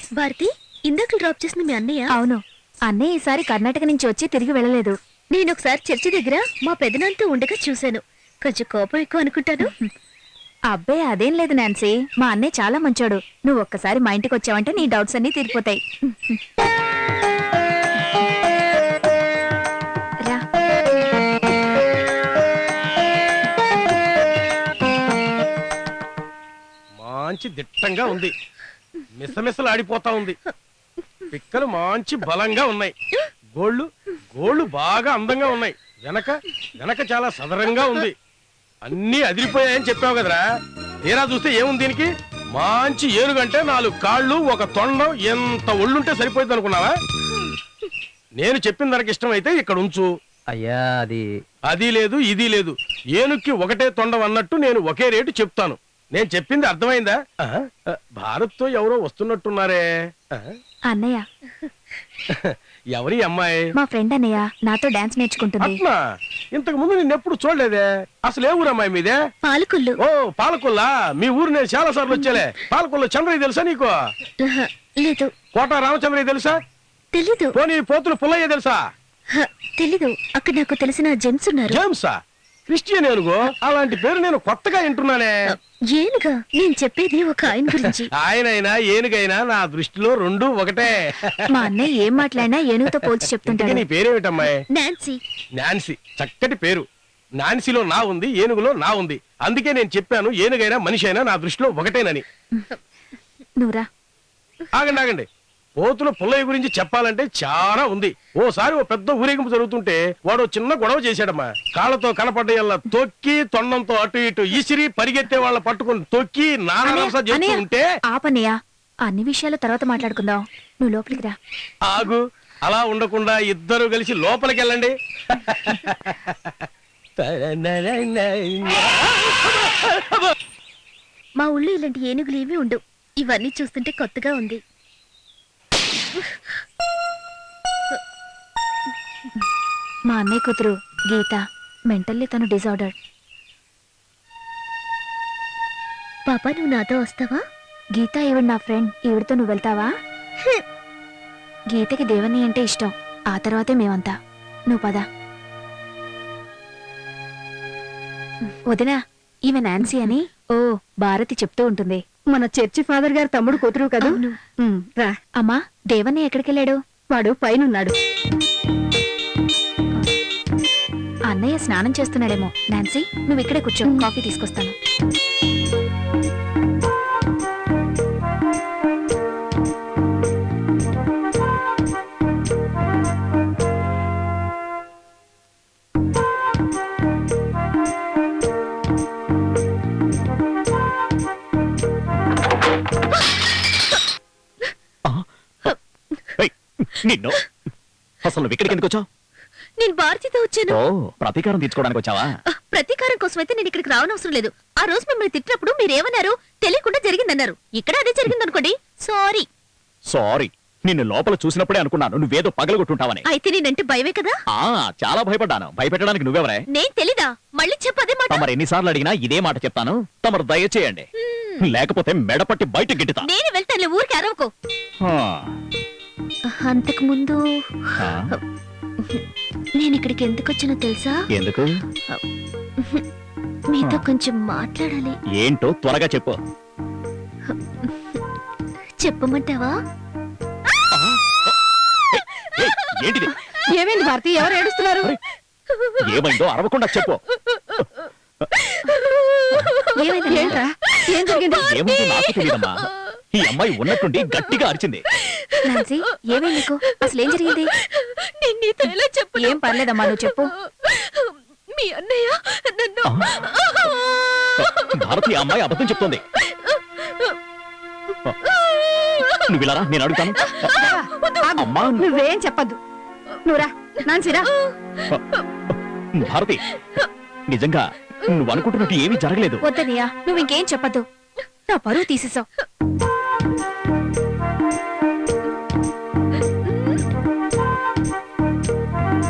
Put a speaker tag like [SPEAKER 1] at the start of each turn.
[SPEAKER 1] భారతి, ఇందాక డ్రాప్ చేసింది మీ అన్నయ్య?
[SPEAKER 2] అవును, అన్నయ్య ఈసారి కర్ణాటక నుంచి వచ్చి తిరిగి వెళ్ళలేదు.
[SPEAKER 1] నేను ఒకసారి చర్చి దగ్గర మా పెదనాన్నతో ఉండగా చూశాను. కొంచెం కోపం ఎక్కువ అనుకుంటాను.
[SPEAKER 2] అబ్బే అదేం లేదు నాన్సీ, మా అన్నయ్య చాలా మంచోడు. నువ్వు ఒక్కసారి మా ఇంటికి వచ్చావంటే నీ డౌట్స్ అన్నీ తీరిపోతాయి. రా.
[SPEAKER 3] మంచి దిట్టంగా ఉంది, మిసమిసలు ఆడిపోతా ఉంది. పిక్కలు మంచి బలంగా ఉన్నాయి. గోళ్ళు గోళ్ళు బాగా అందంగా ఉన్నాయి. వెనక వెనక చాలా సదరంగా ఉంది. అన్నీ అదిరిపోయాయని చెప్పావు కదరా, తీరా చూస్తే ఏముంది దీనికి? మంచి ఏనుగంటే 4 కాళ్ళు, 1 తొండం, ఎంత ఒళ్ళుంటే సరిపోయింది అనుకున్నావా? నేను చెప్పిన దానికి ఇష్టమైతే ఇక్కడ ఉంచు.
[SPEAKER 4] అయ్యా
[SPEAKER 3] అది లేదు ఇది లేదు, ఏనుక్కి ఒకటే తొండం అన్నట్టు నేను ఒకే రేటు చెప్తాను. నేను చెప్పింది అర్థమైందా? భారత్ తో ఎవరో వస్తున్నట్టున్నారే.
[SPEAKER 2] అన్నయ్య.
[SPEAKER 3] ఎవరి అమ్మాయి?
[SPEAKER 2] మా ఫ్రెండ్ అన్నయ్య, నాతో డాన్స్ నేర్చుకుంటుంది.
[SPEAKER 3] ఇంతకు ముందు నిన్నెప్పుడు చూడలేదే. అసలు ఏ ఊరు అమ్మాయి మీదే?
[SPEAKER 1] పాలకొల్లు.
[SPEAKER 3] ఓ పాలకొల్లా, మీ ఊరు నేను చాలా సార్లు వచ్చేలే. పాలకొల్లు చంద్రయ్య తెలుసా నీకు?
[SPEAKER 1] లేదు.
[SPEAKER 3] కోట రామచంద్రయ్య తెలుసా?
[SPEAKER 1] తెలీదు.
[SPEAKER 3] పోనీ పోతులు పుల్లయ్య తెలుసా?
[SPEAKER 1] తెలీదు. అక్కడ నాకు తెలిసిన జెంట్స్ ఉన్నారు.
[SPEAKER 3] జేమ్సా? క్రిస్టియన్ ఏనుగు? అలాంటి పేరు నేను కొత్తగా వింటున్నానే.
[SPEAKER 1] ఏనుగా? నేను చెప్పేది ఒక ఆయన గురించి.
[SPEAKER 3] ఆయనైనా ఏనుగైనా నా దృష్టిలో 2 ఒకటే.
[SPEAKER 2] మా అన్నయ్య ఏం మాట్లాడినా ఏనుగుతో పోల్చి చెప్తుంటాడు.
[SPEAKER 3] నీ పేరేమిటమ్మాయి?
[SPEAKER 1] నాన్సీ.
[SPEAKER 3] నాన్సీ, చక్కటి పేరు. నాన్సీలో నా ఉంది, ఏనుగులో నా ఉంది. అందుకే నేను చెప్పాను ఏనుగైనా మనిషి అయినా నా దృష్టిలో ఒకటేనని.
[SPEAKER 2] నువ్వురా.
[SPEAKER 3] ఆగండి ఆగండి, పోతుల పుల్లయ్య గురించి చెప్పాలంటే చాలా ఉంది. ఓసారి ఓ పెద్ద ఊరేగింపు జరుగుతుంటే వాడు చిన్న గొడవ చేశాడమ్మా. కాళ్ళతో కనపడ్డయల్లా తొక్కి, తొండంతో అటు ఇటు ఈసిరి, పరిగెత్తే వాళ్ళ పట్టుకుని తొక్కి నానా చేస్తూ ఉంటే.
[SPEAKER 2] ఆపన్నయ్య, అన్ని విషయాలు తర్వాత మాట్లాడుకుందాం. నువ్వు లోపలికి రా.
[SPEAKER 3] ఆగు, అలా ఉండకుండా ఇద్దరు కలిసి లోపలికి వెళ్ళండి.
[SPEAKER 1] మా ఊళ్ళో ఇలాంటి ఏనుగులు ఏమీ ఉండవు. ఇవన్నీ చూస్తుంటే కొత్తగా ఉంది.
[SPEAKER 2] మా అన్నయ్య కూతురు గీత, మెంటల్లీ తను డిజార్డర్.
[SPEAKER 1] పాపా, నువ్వు నాతో వస్తావా?
[SPEAKER 2] గీత ఈవిడ నా ఫ్రెండ్, ఈవిడతో నువ్వు వెళ్తావా? గీతకి దేవని అంటే ఇష్టం, ఆ తర్వాతే మేమంతా. నువ్వు పద. వదినా, ఈమె నాన్సీ అని. ఓ, భారతి చెప్తూ ఉంటుంది.
[SPEAKER 5] మన చర్చి ఫాదర్ గారు తమ్ముడు కూతురు కదా. రా.
[SPEAKER 2] అమ్మా, దేవని ఎక్కడికెళ్ళాడు?
[SPEAKER 5] వాడు పైనున్నాడు.
[SPEAKER 2] అన్నయ్య స్నానం చేస్తున్నాడేమో. నాన్సీ, నువ్వు ఇక్కడే కూర్చో, కాఫీ తీసుకొస్తాను.
[SPEAKER 4] నిన్ను అసలు నువ్వు ఇక్కడికి ఎందుకు వచ్చావు?
[SPEAKER 1] నేను భారతితో వచ్చాను.
[SPEAKER 4] ప్రతీకారం తీర్చుకోవడానికి వచ్చావా?
[SPEAKER 1] ప్రతీకారం కోసం అయితే నేను ఇక్కడికి రావనవసరం లేదు. ఆ రోజు మిమ్మల్ని తిట్టినప్పుడు మీరేమన్నారు? తెలియకుండా జరిగిందన్నారు. ఇక్కడ అదే జరిగిందనుకోండి. సారీ.
[SPEAKER 4] సారీ, నిన్ను లోపల చూసినప్పుడే అనుకున్నాను నువ్వేదో పగలగొట్టుంటావని.
[SPEAKER 1] అయితే నేనంటే భయమే కదా?
[SPEAKER 4] చాలా భయపడ్డాను. భయపెట్టడానికి నువ్వెవరే?
[SPEAKER 1] నేను తెలీదా? మళ్ళీ చెప్పదే మాట.
[SPEAKER 4] తమరు ఎన్నిసార్లు అడిగినా ఇదే మాట చెప్తాను. తమరు దయచేయండి, లేకపోతే మెడపట్టి బయట గిట్టుతా.
[SPEAKER 1] నేను వెళ్తాను, ఊరికి అరవకు. అంతకు ముందు నేను ఇక్కడికి ఎందుకు వచ్చానో తెలుసా?
[SPEAKER 4] ఎందుకు?
[SPEAKER 1] మీతో కొంచెం మాట్లాడాలి.
[SPEAKER 4] ఏంటో త్వరగా చెప్పు.
[SPEAKER 1] చెప్పమంటావా?
[SPEAKER 4] ఏంటిది?
[SPEAKER 5] ఏమైంది భారతి? ఎవరు ఏడుస్తున్నారు?
[SPEAKER 4] ఏమైందో అరవకుండా చెప్పు.
[SPEAKER 5] ఏంట్రా? ఏం జరిగింది?
[SPEAKER 4] ఏముంది నాకు తెలియదమ్మా. ఈ అమ్మాయి ఉన్నట్టుండి గట్టిగా అరిచింది.
[SPEAKER 2] నాన్సీ, ఏమై నీకు? అసలు ఏం జరిగింది? ఏం పర్లేదమ్మా, నువ్వు చెప్పు.
[SPEAKER 1] మీ అన్నయ్య నన్ను.
[SPEAKER 4] భారతి, ఆ అమ్మాయి అబద్ధం చెప్తోంది. నువ్వు ఇలా రా, నేను అడుగుతాను. అమ్మా,
[SPEAKER 5] నువ్వేం చెప్పద్దు. నువ్వురా నాన్సీరా.
[SPEAKER 4] భారతి, నిజంగా నువ్వు అనుకుంటున్నట్టు ఏమీ జరగలేదు.
[SPEAKER 2] వద్దనియా, నువ్వు ఇంకేం చెప్పద్దు. నా పరువు తీసేసావు.